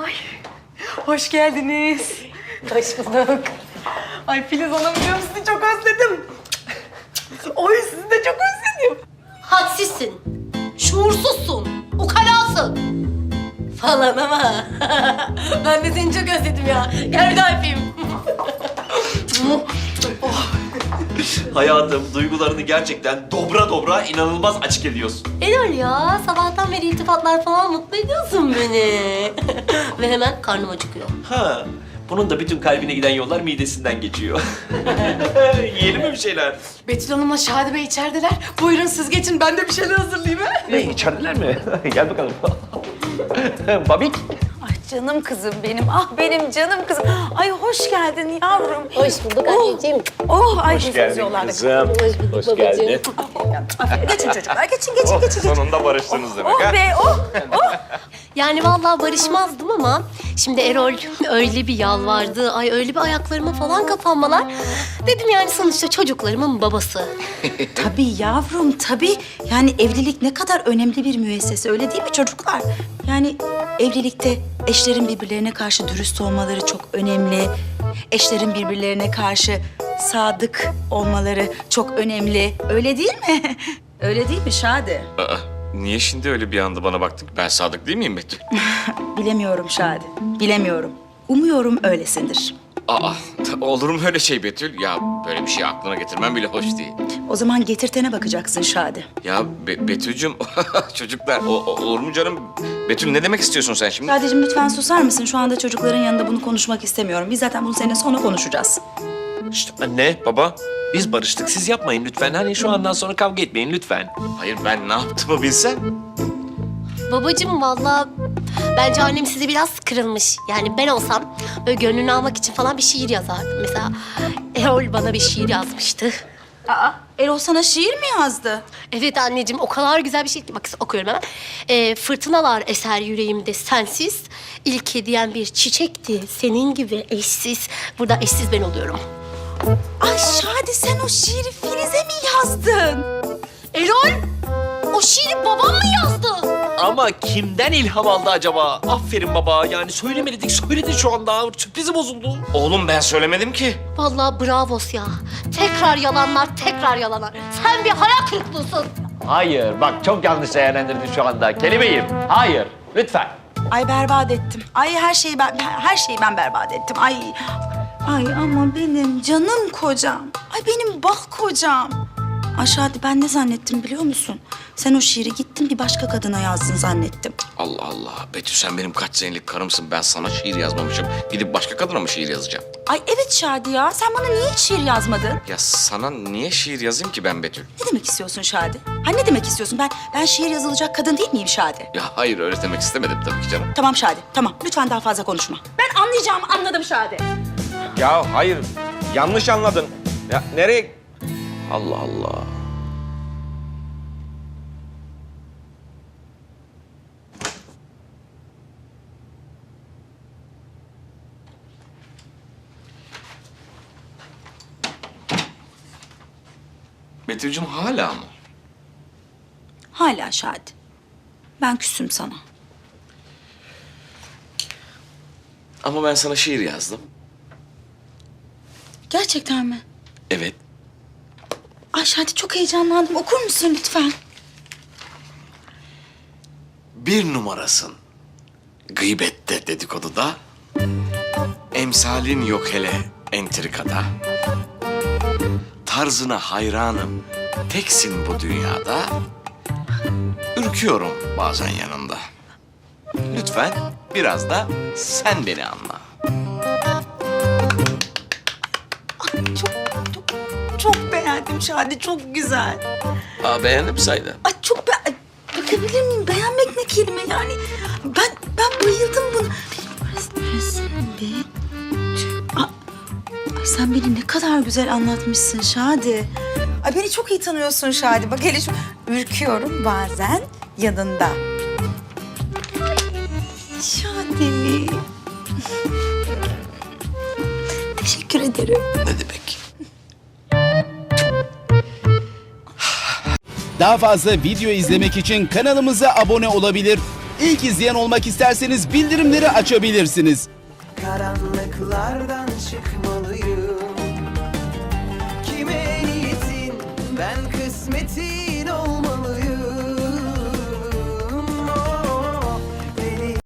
Ay, hoş geldiniz. Hoş bulduk. Ay Filiz Hanımcığım sizi çok özledim. Oy sizi de çok özledim. Hadsizsin, şuursuzsun, ukalasın falan ama ben de seni çok özledim ya. Gel bir daha öpeyim. Hayatım, duygularını gerçekten dobra dobra inanılmaz açık ediyorsun. Erol ya, sabahtan beri iltifatlar falan mutlu ediyorsun beni. Ve hemen karnım acıkıyor. Ha, bunun da bütün kalbine giden yollar midesinden geçiyor. Yiyelim mi bir şeyler? Betül Hanım'la Şadi Bey içerideler. Buyurun siz geçin, ben de bir şeyler hazırlayayım ha. İçerideler mi? Gel bakalım. Babik. Ay canım kızım benim, ah benim canım kızım. Ay hoş geldin yavrum. Hoş bulduk anneciğim. Oh, ay Hoş geldin kızım. Hoş bulduk Hoş babacığım. geldin. Geçin çocuklar, geçin. Sonunda barıştınız demek Oh ha? be, oh. Yani vallahi barışmazdım ama şimdi Erol öyle bir yalvardı, ay öyle bir ayaklarıma falan kapanmalar. Dedim yani sonuçta çocuklarımın babası. Tabii yavrum, tabii. Yani evlilik ne kadar önemli bir müessese, öyle değil mi çocuklar? Yani evlilikte eşlerin birbirlerine karşı dürüst olmaları çok önemli. Eşlerin birbirlerine karşı sadık olmaları çok önemli. Öyle değil mi? Öyle değil mi Şadi? Aa, niye şimdi öyle bir anda bana baktın? Ben sadık değil miyim Betül? Bilemiyorum Şadi, bilemiyorum. Umuyorum öylesindir. Aa, olur mu öyle şey Betül? Ya böyle bir şey aklına getirmem bile hoş değil. O zaman getirtene bakacaksın Şadi. Ya Betül'cüm, çocuklar olur mu canım? Betül ne demek istiyorsun sen şimdi? Şadi'cim lütfen susar mısın? Şu anda çocukların yanında bunu konuşmak istemiyorum. Biz zaten bunu seninle sonra konuşacağız. İşte anne, baba. Biz barıştık. Siz yapmayın lütfen. Hani şu andan sonra kavga etmeyin lütfen. Hayır ben ne yaptığımı bilsem. Babacığım vallahi bence annem size biraz kırılmış. Yani ben olsam böyle gönlünü almak için falan bir şiir yazardım. Mesela Erol bana bir şiir yazmıştı. Aa, Erol sana şiir mi yazdı? Evet anneciğim o kadar güzel bir şey ki bak okuyorum hemen. Fırtınalar eser yüreğimde sensiz. İlk hediyen bir çiçekti senin gibi eşsiz. Burada eşsiz ben oluyorum. Ay Şadi sen o şiiri Filiz'e mi yazdın? Erol o şiiri babam mı yazdı? Ama kimden ilham aldı acaba? Aferin baba. Yani söylemedik, söyledin şu anda. Sürprizi bozuldu. Oğlum ben söylemedim ki. Vallahi bravos ya. Tekrar yalanlar, tekrar yalanlar. Sen bir hayal kırıklığısın. Hayır, bak çok yanlış değerlendirdin şu anda. Kelimeyim. Hayır, lütfen. Ay berbat ettim. Ay her şeyi ben berbat ettim. Ay ama benim canım kocam. Ay benim bak kocam. Ay Şadi ben ne zannettim biliyor musun? Sen o şiiri gittin bir başka kadına yazdın zannettim. Allah Allah. Betül sen benim kaç senelik karımsın. Ben sana şiir yazmamışım. Gidip başka kadına mı şiir yazacağım? Ay evet Şadi ya. Sen bana niye hiç şiir yazmadın? Ya sana niye şiir yazayım ki ben Betül? Ne demek istiyorsun Şadi? Ha ne demek istiyorsun? Ben şiir yazılacak kadın değil miyim Şadi? Ya hayır öyle demek istemedim tabii ki canım. Tamam Şadi, tamam. Lütfen daha fazla konuşma. Ben anlayacağımı anladım Şadi. Ya hayır, yanlış anladın. Ya nereye? Allah Allah. Betül'cüm hala mı? Hala Şadi. Ben küsüm sana. Ama ben sana şiir yazdım. Gerçekten mi? Evet. Ay Şadi çok heyecanlandım. Okur musun lütfen? Bir numarasın. Gıybette, dedikoduda. Emsalin yok hele entrikada. Tarzına hayranım. Teksin bu dünyada. Ürküyorum bazen yanında. Lütfen biraz da sen beni anla. Çok beğendim Şadi. Çok güzel. Aa, beğendin mi saydı? Ay çok bakabilir miyim? Beğenmek ne kelime yani? Ben bayıldım buna. Ay sen beni ne kadar güzel anlatmışsın Şadi. Ay beni çok iyi tanıyorsun Şadi. Bak hele şu ürküyorum bazen yanında. Şadi. Teşekkür ederim. Ne demek? Daha fazla video izlemek için kanalımıza abone olabilir. İlk izleyen olmak isterseniz bildirimleri açabilirsiniz. Karanlıklardan çıkmalıyım. Kime niyetin ben kısmetin